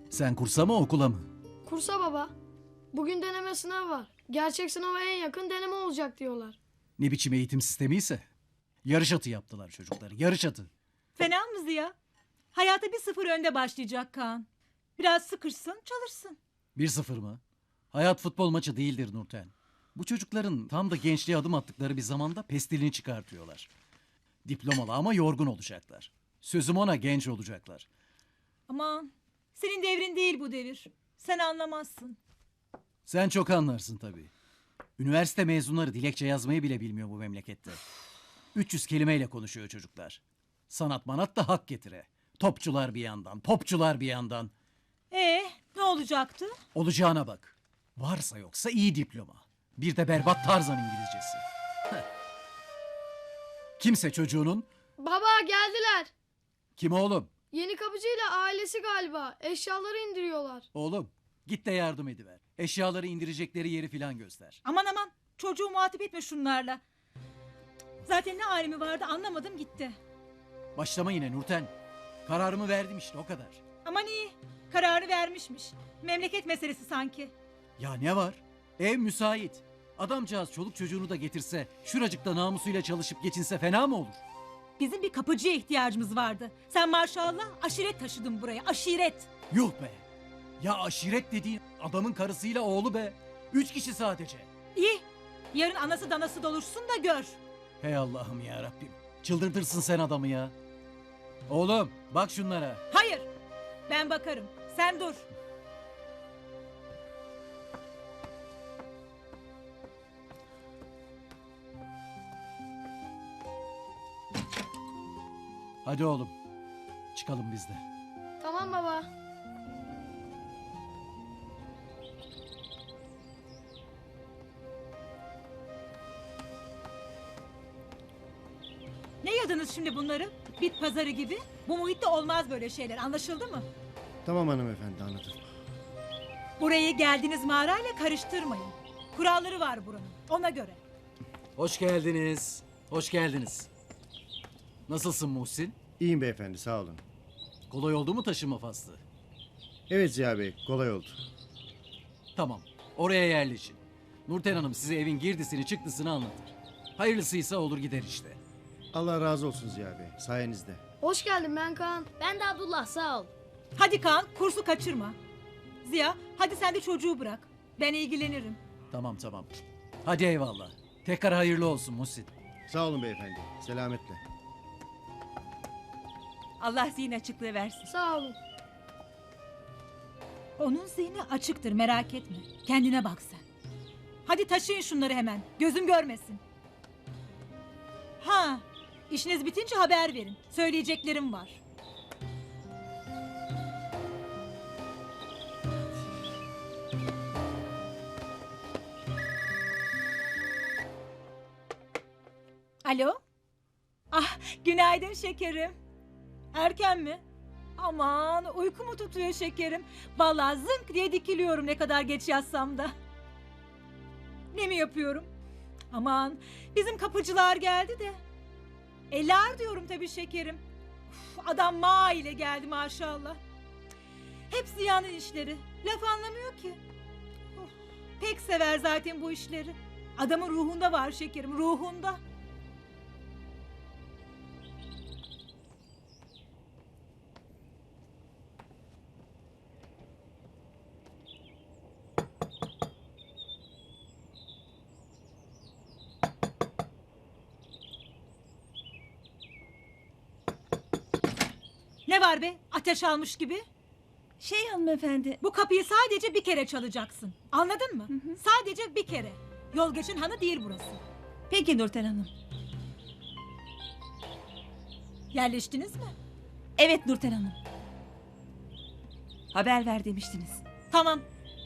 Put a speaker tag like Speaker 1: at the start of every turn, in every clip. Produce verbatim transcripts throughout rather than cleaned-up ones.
Speaker 1: Sen kursa mı okula mı?
Speaker 2: Kursa baba. Bugün deneme sınavı var. Gerçek sınava en yakın deneme olacak diyorlar.
Speaker 1: Ne biçim eğitim sistemi ise. Yarış atı yaptılar çocukları. Yarış atı.
Speaker 3: Fena mı Ziya? Hayata bir sıfır önde başlayacak Kaan. Biraz sıkışsın, çalışsın.
Speaker 1: Bir sıfır mı? Hayat futbol maçı değildir Nurten. Bu çocukların tam da gençliğe adım attıkları bir zamanda pestilini çıkartıyorlar. Diplomalı ama yorgun olacaklar. Sözüm ona, genç olacaklar.
Speaker 3: Aman, senin devrin değil bu devir. Sen anlamazsın.
Speaker 1: Sen çok anlarsın tabii. Üniversite mezunları dilekçe yazmayı bile bilmiyor bu memlekette. üç yüz kelimeyle konuşuyor çocuklar. Sanat manat da hak getire. Topçular bir yandan, popçular bir yandan.
Speaker 3: Ee, ne olacaktı?
Speaker 1: Olacağına bak. Varsa yoksa iyi diploma. Bir de berbat Tarzan İngilizcesi. Heh. Kimse çocuğunun...
Speaker 2: Baba geldiler.
Speaker 1: Kim oğlum?
Speaker 2: Yeni kapıcıyla ailesi galiba. Eşyaları indiriyorlar.
Speaker 1: Oğlum git de yardım ediver. Eşyaları indirecekleri yeri filan göster.
Speaker 3: Aman aman, çocuğu muhatap etme şunlarla. Zaten ne alemi vardı anlamadım gitti.
Speaker 1: Başlama yine Nurten. Kararımı verdim işte, o kadar.
Speaker 3: Aman iyi, kararı vermişmiş. Memleket meselesi sanki.
Speaker 1: Ya ne var? Ev müsait. Adamcağız çoluk çocuğunu da getirse, şuracıkta namusuyla çalışıp geçinse fena mı olur?
Speaker 3: Bizim bir kapıcıya ihtiyacımız vardı. Sen maşallah aşiret taşıdın buraya, aşiret.
Speaker 1: Yuh be! Ya aşiret dediğin adamın karısıyla oğlu be. Üç kişi sadece.
Speaker 3: İyi, yarın anası danası doluşsun da gör.
Speaker 1: Hey Allah'ım ya Rabbim. Çıldırtırsın sen adamı ya. Oğlum bak şunlara.
Speaker 3: Hayır, ben bakarım. Sen dur.
Speaker 1: Hadi oğlum. Çıkalım biz de.
Speaker 2: Tamam baba.
Speaker 3: Ne yadınız şimdi bunları? Bit pazarı gibi. Bu muhitte olmaz böyle şeyler, anlaşıldı mı?
Speaker 4: Tamam hanımefendi, anladım.
Speaker 3: Burayı geldiğiniz mağarayla karıştırmayın. Kuralları var buranın, ona göre.
Speaker 1: Hoş geldiniz. Hoş geldiniz. Nasılsın Muhsin?
Speaker 4: İyiyim beyefendi, sağ olun.
Speaker 1: Kolay oldu mu taşınma faslı?
Speaker 4: Evet Ziya Bey, kolay oldu.
Speaker 1: Tamam. Oraya yerleşin. Nurten Hanım size evin girdisini çıktısını anlatır. Hayırlısıysa olur gider işte.
Speaker 4: Allah razı olsun Ziya Bey, sayenizde.
Speaker 2: Hoş geldin, ben Kaan.
Speaker 5: Ben de Abdullah, sağ ol.
Speaker 3: Hadi Kaan, kursu kaçırma. Ziya, hadi sen de çocuğu bırak. Ben ilgilenirim.
Speaker 1: Tamam tamam. Hadi eyvallah. Tekrar hayırlı olsun Muhsin.
Speaker 4: Sağ olun beyefendi, selametle.
Speaker 3: Allah zihin açıklığı versin.
Speaker 2: Sağ olun.
Speaker 3: Onun zihni açıktır, merak etme. Kendine bak sen. Hadi taşıyın şunları hemen, gözüm görmesin. Ha, işiniz bitince haber verin. Söyleyeceklerim var. Alo? Ah, günaydın şekerim. Erken mi? Aman, uyku mu tutuyor şekerim? Vallahi zınk diye dikiliyorum ne kadar geç yatsam da. Ne mi yapıyorum? Aman, bizim kapıcılar geldi de. Elar diyorum tabii şekerim. Uf, adam ma ile geldi maşallah. Hep Ziya'nın işleri. Laf anlamıyor ki. Uf, pek sever zaten bu işleri. Adamın ruhunda var şekerim, ruhunda. Ne var be? Ateş almış gibi.
Speaker 5: Şey hanımefendi.
Speaker 3: Bu kapıyı sadece bir kere çalacaksın. Anladın mı? Sadece bir kere. Yol geçin hanı değil burası.
Speaker 5: Peki Nurten Hanım.
Speaker 3: Yerleştiniz mi?
Speaker 5: Evet Nurten Hanım. Haber ver demiştiniz.
Speaker 3: Tamam.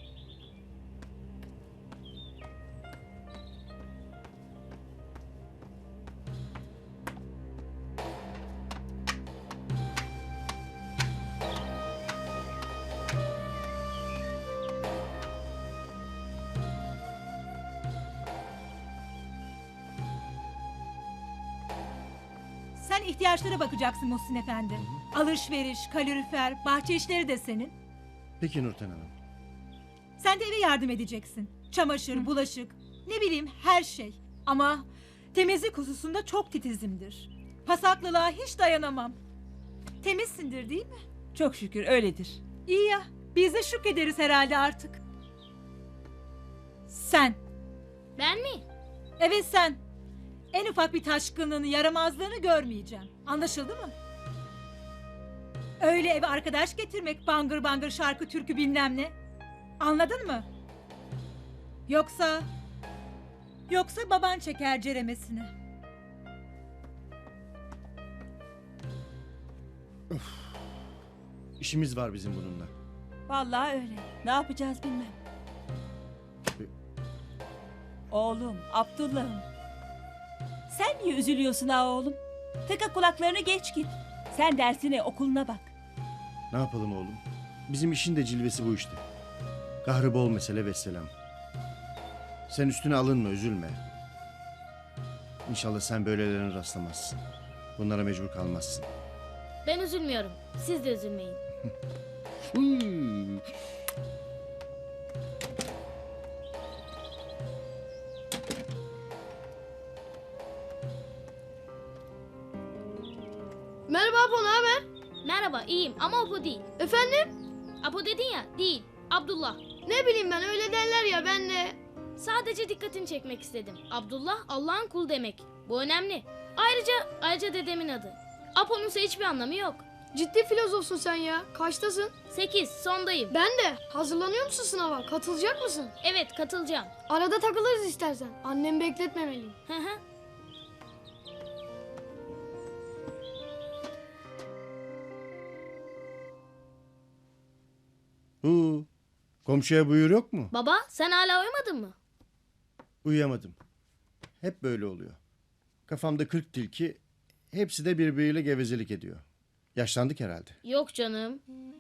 Speaker 3: Sen ihtiyaçlara bakacaksın Muhsin Efendi. Alışveriş, kalorifer, bahçe işleri de senin.
Speaker 4: Peki Nurten Hanım.
Speaker 3: Sen de eve yardım edeceksin. Çamaşır, bulaşık, ne bileyim her şey. Ama temizlik hususunda çok titizimdir. Pasaklılığa hiç dayanamam. Temizsindir değil mi?
Speaker 5: Çok şükür öyledir.
Speaker 3: İyi ya, biz de şükrederiz herhalde artık. Sen,
Speaker 6: Ben mi?
Speaker 3: evet sen. En ufak bir taşkınlığını, yaramazlığını görmeyeceğim. Anlaşıldı mı? Öyle eve arkadaş getirmek, bangır bangır şarkı türkü bilmem ne. Anladın mı? Yoksa... Yoksa baban çeker ceremesini.
Speaker 4: İşimiz var bizim bununla.
Speaker 5: Vallahi öyle. Ne yapacağız bilmem. Oğlum, Abdullah'ım. Sen niye üzülüyorsun ha oğlum? Tıka kulaklarını geç git. Sen dersine, okuluna bak.
Speaker 4: Ne yapalım oğlum? Bizim işin de cilvesi bu işte. Kahrı bol mesele vesselam. Sen üstüne alınma, üzülme. İnşallah sen böylelerine rastlamazsın. Bunlara mecbur kalmazsın.
Speaker 6: Ben üzülmüyorum. Siz de üzülmeyin.
Speaker 2: Merhaba Apo, ne haber?
Speaker 6: Merhaba, iyiyim ama Apo değil.
Speaker 2: Efendim?
Speaker 6: Apo dedin ya, değil. Abdullah.
Speaker 2: Ne bileyim ben, öyle derler ya, ben de...
Speaker 6: Sadece dikkatini çekmek istedim. Abdullah, Allah'ın kulu demek. Bu önemli. Ayrıca, ayrıca dedemin adı. Apo'nun ise hiçbir anlamı yok.
Speaker 2: Ciddi filozofsun sen ya. Kaçtasın?
Speaker 6: Sekiz, sondayım.
Speaker 2: Ben de. Hazırlanıyor musun sınava? Katılacak mısın?
Speaker 6: Evet, katılacağım.
Speaker 2: Arada takılırız istersen. Annemi bekletmemeliyim.
Speaker 6: Hı hı.
Speaker 4: Huu, komşuya buyur yok mu?
Speaker 6: Baba, sen hala uyumadın mı?
Speaker 4: Uyuyamadım. Hep böyle oluyor. Kafamda kırk tilki, hepsi de birbiriyle gevezelik ediyor. Yaşlandık herhalde.
Speaker 6: Yok canım.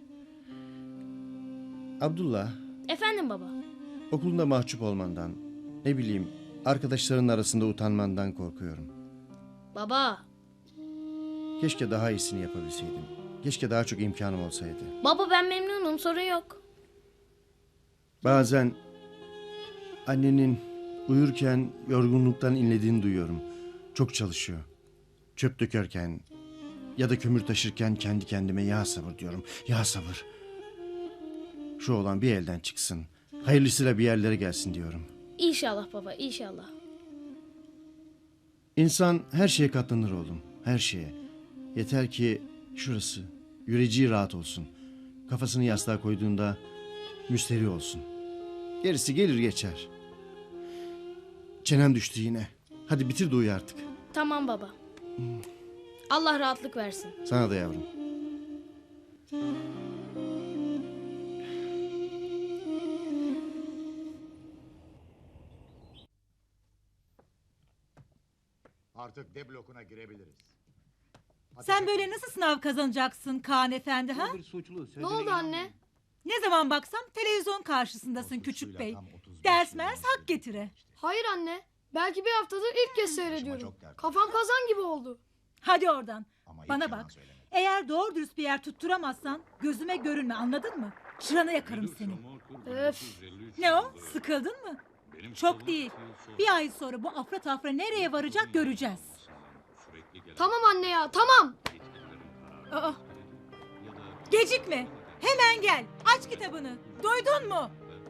Speaker 4: Abdullah,
Speaker 6: Efendim baba.
Speaker 4: okulunda mahcup olmandan, ne bileyim, arkadaşların arasında utanmandan korkuyorum.
Speaker 6: Baba.
Speaker 4: Keşke daha iyisini yapabilseydim. Keşke daha çok imkanım olsaydı.
Speaker 6: Baba ben memnunum, sorun yok.
Speaker 4: Bazen annenin uyurken yorgunluktan inlediğini duyuyorum. Çok çalışıyor. Çöp dökerken ya da kömür taşırken kendi kendime ya sabır diyorum. Ya sabır. Şu olan bir elden çıksın. Hayırlısıyla bir yerlere gelsin diyorum.
Speaker 6: İnşallah baba, inşallah.
Speaker 4: İnsan her şeye katlanır oğlum. Her şeye. Yeter ki şurası, yüreciği rahat olsun. Kafasını yastığa koyduğunda müsterih olsun. Gerisi gelir geçer. Çenem düştü yine. Hadi bitir de uyu artık.
Speaker 6: Tamam baba. Allah rahatlık versin.
Speaker 4: Sana da yavrum.
Speaker 7: Artık D blokuna girebiliriz.
Speaker 3: Sen böyle nasıl sınav kazanacaksın Kaan Efendi ha?
Speaker 2: Ne oldu anne?
Speaker 3: Ne zaman baksam televizyon karşısındasın küçük bey. Ders mers hak getire.
Speaker 2: Hayır anne. Belki bir haftadır ilk kez seyrediyorum. Kafam kazan gibi oldu.
Speaker 3: Hadi oradan.
Speaker 7: Ama
Speaker 3: Bana
Speaker 7: hiç yalan
Speaker 3: bak.
Speaker 7: söylemedim.
Speaker 3: Eğer doğru dürüst bir yer tutturamazsan gözüme görünme, anladın mı? Çıranı yakarım seni.
Speaker 2: Öf.
Speaker 3: Ne o? Sıkıldın mı? Çok değil. Bir ay sonra bu afra tafra nereye varacak göreceğiz.
Speaker 2: Tamam anne ya, tamam.
Speaker 3: Aa. Gecikme. Hemen gel. Aç kitabını. Duydun mu?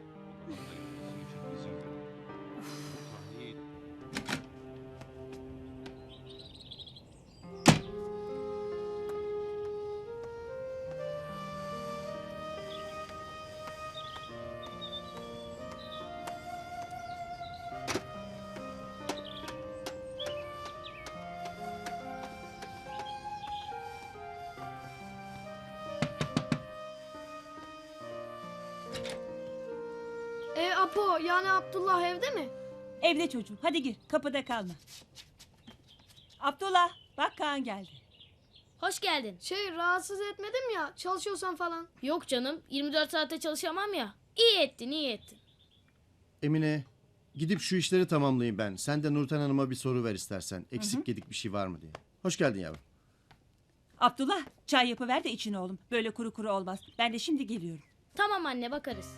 Speaker 2: E Apo, yani Abdullah evde mi?
Speaker 5: Evde çocuğum. Hadi gir. Kapıda kalma. Abdullah, bak Kaan geldi.
Speaker 6: Hoş geldin.
Speaker 2: Şey, rahatsız etmedim ya, çalışıyorsan falan.
Speaker 6: Yok canım, yirmi dört saatte çalışamam ya. İyi ettin, iyi ettin.
Speaker 4: Emine, gidip şu işleri tamamlayayım ben. Sen de Nurten Hanım'a bir soru ver istersen. Eksik gedik bir şey var mı diye. Hoş geldin yavrum.
Speaker 5: Abdullah, çay yapıver de için oğlum. Böyle kuru kuru olmaz. Ben de şimdi geliyorum.
Speaker 6: Tamam anne, bakarız.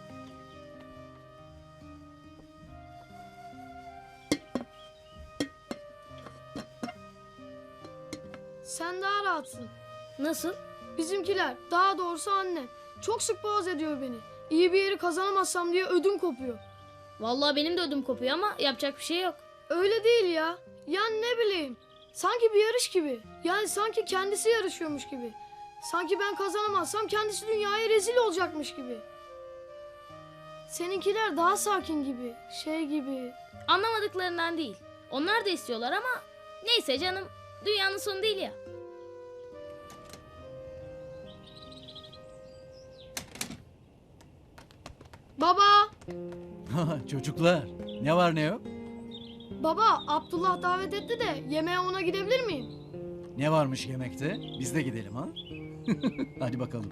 Speaker 2: Sen daha rahatsın.
Speaker 6: Nasıl?
Speaker 2: Bizimkiler, daha doğrusu annem, çok sık boğaz ediyor beni. İyi bir yeri kazanamazsam diye ödüm kopuyor.
Speaker 6: Vallahi benim de ödüm kopuyor ama yapacak bir şey yok.
Speaker 2: Öyle değil ya. Yani ne bileyim. Sanki bir yarış gibi. Yani sanki kendisi yarışıyormuş gibi. Sanki ben kazanamazsam kendisi dünyaya rezil olacakmış gibi. Seninkiler daha sakin gibi. Şey gibi.
Speaker 6: Anlamadıklarından değil. Onlar da istiyorlar ama neyse canım, dünyanın sonu değil ya.
Speaker 2: Baba!
Speaker 1: Çocuklar, ne var ne yok?
Speaker 2: Baba, Abdullah davet etti de yemeğe ona gidebilir miyim?
Speaker 1: Ne varmış yemekte? Biz de gidelim ha? Hadi bakalım.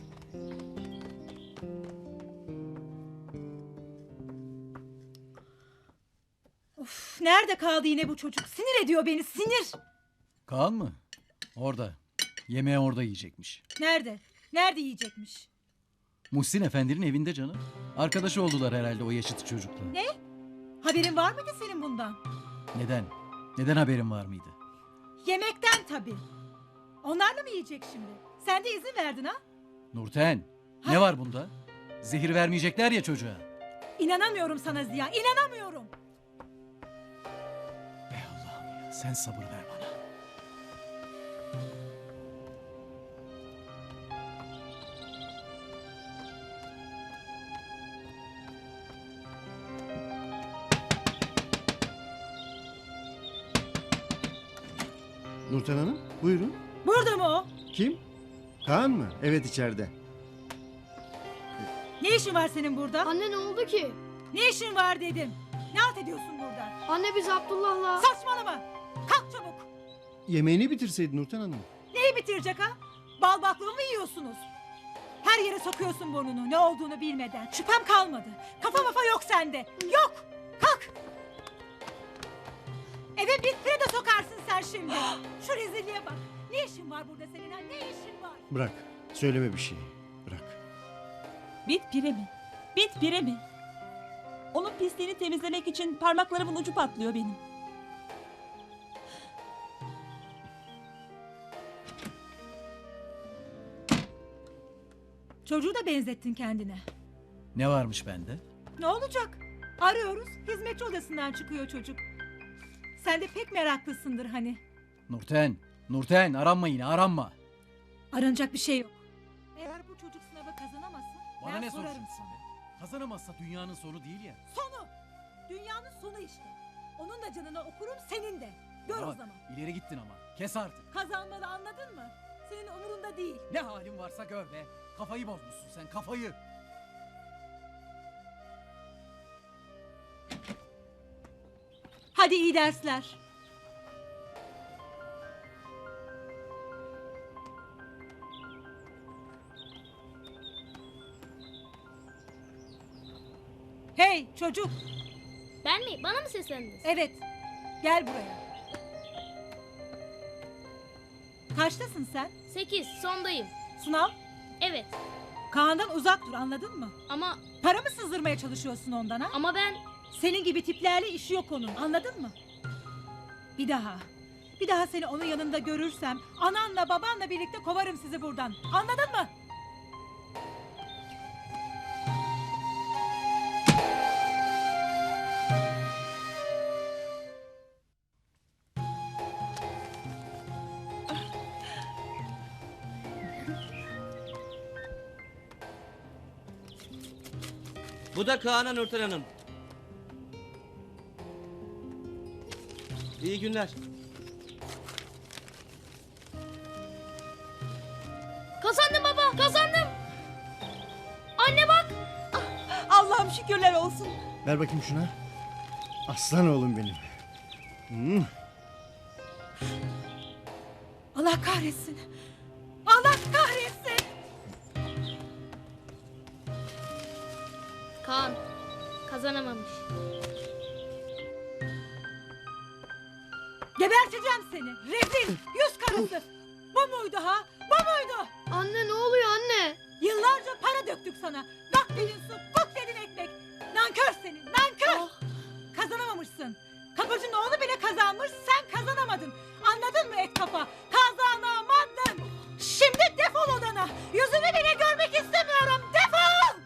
Speaker 3: Of, nerede kaldı yine bu çocuk? Sinir ediyor beni, sinir.
Speaker 1: Kaan mı? Orada. Yemeği orada yiyecekmiş.
Speaker 3: Nerede? Nerede yiyecekmiş?
Speaker 1: Muhsin Efendi'nin evinde canım. Arkadaşı oldular herhalde o yaşıt çocukla.
Speaker 3: Ne? Haberin var mıydı senin bundan?
Speaker 1: Neden? Neden haberin var mıydı?
Speaker 3: Yemekten tabii. Onlarla mı yiyecek şimdi? Sen de izin verdin ha?
Speaker 1: Nurten, ne var bunda? Zehir vermeyecekler ya çocuğa.
Speaker 3: İnanamıyorum sana Ziya, inanamıyorum.
Speaker 1: Ey Allah'ım ya, sen sabır ver bana.
Speaker 4: Nurten Hanım, buyurun.
Speaker 3: Burada mı o?
Speaker 4: Kim? Kaan mı? Evet, içeride.
Speaker 3: Ne işin var senin burada?
Speaker 2: Anne ne oldu ki?
Speaker 3: Ne işin var dedim. Ne halt ediyorsun burada?
Speaker 2: Anne biz Abdullah'la...
Speaker 3: Saçmalama. Kalk çabuk.
Speaker 4: Yemeğini bitirseydin Nurten Hanım.
Speaker 3: Neyi bitirecek ha? Bal baklava mı yiyorsunuz? Her yere sokuyorsun burnunu ne olduğunu bilmeden. Şüphem kalmadı. Kafa mafa yok sende. Yok. Kalk. Eve bit pire de sokarsın sen şimdi. Şu rezilliğe bak. Ne işin var burada senin ha? Ne işin var?
Speaker 4: Bırak, söyleme bir şey. Bırak.
Speaker 5: Bit pire mi? Bit pire mi? Onun pisliğini temizlemek için parmaklarımın ucu patlıyor benim.
Speaker 3: Çocuğu da benzettin kendine.
Speaker 1: Ne varmış bende?
Speaker 3: Ne olacak? Arıyoruz. Hizmetçi odasından çıkıyor çocuk. Sen de pek meraklısındır hani.
Speaker 1: Nurten, Nurten aranma yine aranma.
Speaker 3: Aranacak bir şey yok. Eğer bu çocuk sınavı kazanamazsa
Speaker 1: Bana
Speaker 3: ben
Speaker 1: ne
Speaker 3: sorarım
Speaker 1: soracaksın
Speaker 3: sana.
Speaker 1: be? Kazanamazsa dünyanın sonu değil ya.
Speaker 3: Sonu. Dünyanın sonu işte. Onun da canına okurum senin de. Gör
Speaker 1: Bana
Speaker 3: o
Speaker 1: bak,
Speaker 3: zaman.
Speaker 1: İleri gittin ama. Kes artık.
Speaker 3: Kazanmalı anladın mı? Senin umurunda değil.
Speaker 1: Ne halin varsa gör be. Kafayı bozmuşsun sen kafayı.
Speaker 3: Hadi iyi dersler. Hey çocuk.
Speaker 6: Ben mi? Bana mı seslendiniz?
Speaker 3: Evet. Gel buraya. Kaçtasın sen?
Speaker 6: Sekiz, sondayım.
Speaker 3: Sınav.
Speaker 6: Evet
Speaker 3: Kaan'dan uzak dur anladın mı?
Speaker 6: ama
Speaker 3: Para mı sızdırmaya çalışıyorsun ondan ha?
Speaker 6: ama ben...
Speaker 3: Senin gibi tiplerle işi yok onun anladın mı? Bir daha. Bir daha seni onun yanında görürsem ananla babanla birlikte kovarım sizi buradan. Anladın mı?
Speaker 8: Bu da Kaan'a Nurten Hanım. İyi günler.
Speaker 6: Kazandım baba, kazandım. Anne bak.
Speaker 5: Allah'ım şükürler olsun.
Speaker 4: Ver bakayım şuna. Aslan oğlum benim. Hmm.
Speaker 3: Allah kahretsin. Allah kahretsin.
Speaker 6: Kaan kazanamamış.
Speaker 3: Geberteceğim seni. Rezil. Yüz karısı. Bu muydu ha? Bu muydu?
Speaker 2: Anne ne oluyor anne?
Speaker 3: Yıllarca para döktük sana. Bak dedin su, kok dedin ekmek. Nankör senin, nankör. Kazanamamışsın. Kapıcının oğlu bile kazanmış, sen kazanamadın. Anladın mı et kafa? Kazanamadın. Şimdi defol odana. Yüzünü bile görmek istemiyorum. Defol!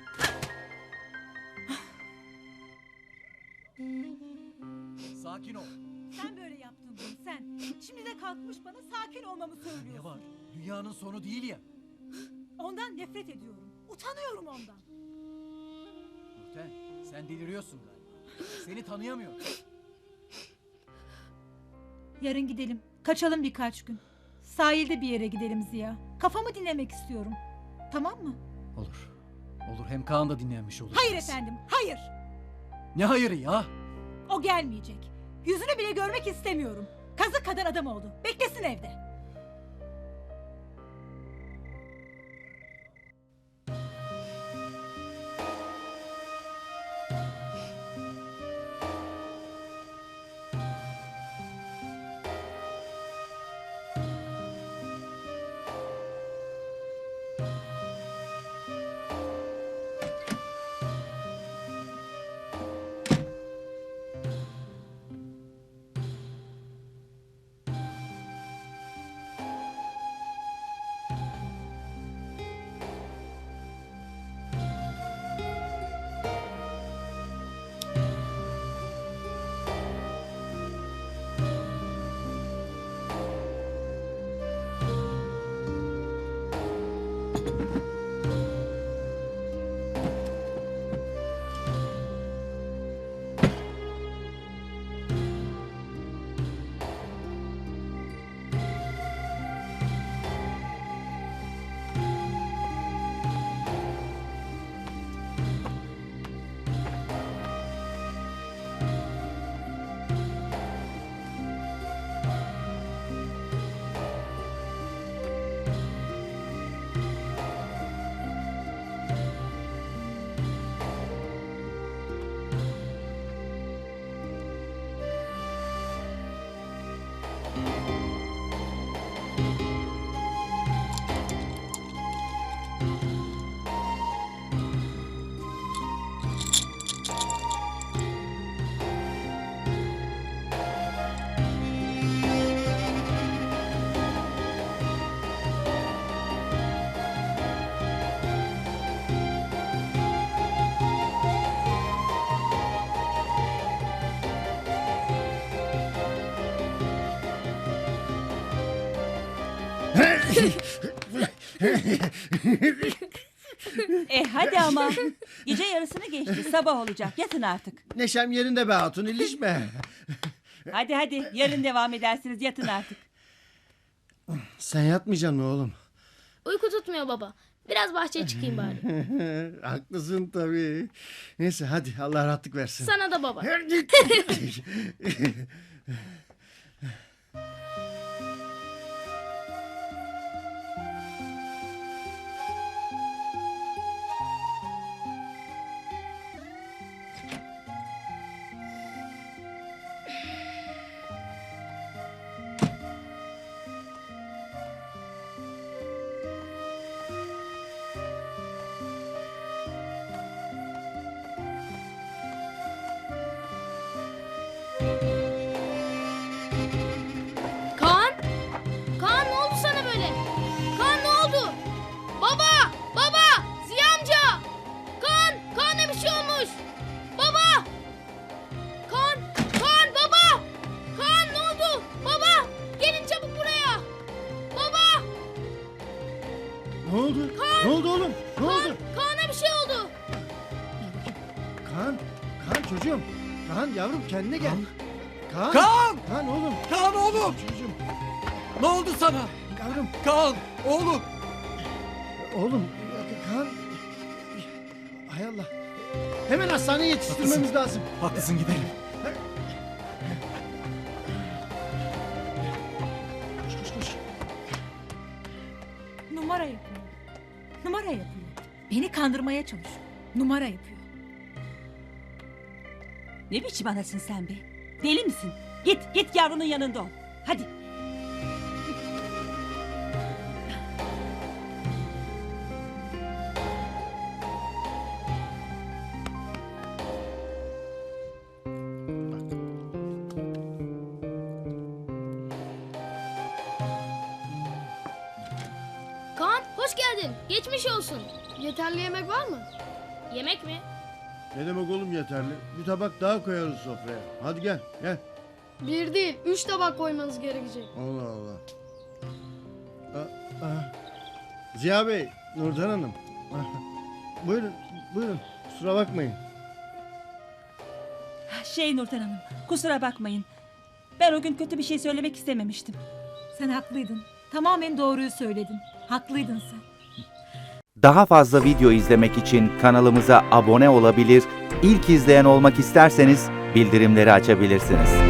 Speaker 1: Sakin ol.
Speaker 3: Sen böyle yaptın bunu sen. Şimdi de kalkmış bana sakin olmamı
Speaker 1: Ne
Speaker 3: söylüyorsun.
Speaker 1: var? Dünyanın sonu değil ya.
Speaker 3: Ondan nefret ediyorum. Utanıyorum ondan.
Speaker 1: Nurten, sen deliriyorsun galiba. Seni tanıyamıyorum.
Speaker 3: Yarın gidelim. Kaçalım birkaç gün. Sahilde bir yere gidelim Ziya. Kafamı dinlemek istiyorum. Tamam mı?
Speaker 1: Olur. Olur, hem Kaan da dinlenmiş olur.
Speaker 3: Hayır efendim, hayır.
Speaker 1: Ne hayırı ya?
Speaker 3: O gelmeyecek. Yüzünü bile görmek istemiyorum. Kazık kadar adam oldu. Beklesin evde.
Speaker 5: E hadi ama. Gece yarısını geçti. Sabah olacak. Yatın artık.
Speaker 4: Neşem yerinde be hatun, ilişme.
Speaker 5: Hadi hadi. Yarın devam edersiniz. Yatın artık.
Speaker 4: Sen yatmayacaksın mı oğlum?
Speaker 6: Uyku tutmuyor baba. Biraz bahçeye çıkayım bari.
Speaker 4: Haklısın tabii. Neyse hadi, Allah rahatlık versin.
Speaker 6: Sana da baba. Kaan! Kaan ne oldu sana böyle? Kaan ne oldu? Baba! Baba! Ziya amca! Kaan! Kaan'a bir şey olmuş! Baba! Kaan! Kaan baba! Kaan ne oldu? Baba! Gelin çabuk buraya! Baba!
Speaker 4: Ne oldu?
Speaker 6: Kaan!
Speaker 4: Ne oldu oğlum? Ne
Speaker 6: Kaan!
Speaker 4: oldu?
Speaker 6: Kaan'a bir şey oldu!
Speaker 4: Kaan, Kaan çocuğum. Kaan yavrum, kendine gel. Kaan.
Speaker 1: Kaan!
Speaker 4: Kaan oğlum.
Speaker 1: Kaan oğlum!
Speaker 4: Çocuğum.
Speaker 1: Ne oldu sana?
Speaker 4: Yavrum.
Speaker 1: Kaan! Oğlum!
Speaker 4: Oğlum. Kaan. Hay Allah. Hemen hastaneye yetiştirmemiz lazım.
Speaker 1: Haklısın, gidelim.
Speaker 4: Koş koş koş.
Speaker 3: Numara yapıyor. Numara yapıyor. Beni kandırmaya çalışıyor. Numara yapıyor.
Speaker 5: Ne biçim anasın sen be? Deli misin? Git git yavrunun yanında ol. Hadi.
Speaker 6: hoş geldin. Geçmiş olsun.
Speaker 2: Yeterli yemek var mı?
Speaker 6: Yemek mi?
Speaker 4: Ne demek oğlum yeterli? Bir tabak daha koyarız sofraya. Hadi gel gel.
Speaker 2: Bir değil, üç tabak koymanız gerekecek.
Speaker 4: Allah Allah. Aa, aa. Ziya Bey, Nurdan Hanım. Buyurun, buyurun. Kusura bakmayın.
Speaker 5: Şey Nurten Hanım, kusura bakmayın. Ben o gün kötü bir şey söylemek istememiştim.
Speaker 3: Sen haklıydın. Tamamen doğruyu söyledin. Haklıydın sen.
Speaker 9: Daha fazla video izlemek için kanalımıza abone olabilir, ilk izleyen olmak isterseniz bildirimleri açabilirsiniz.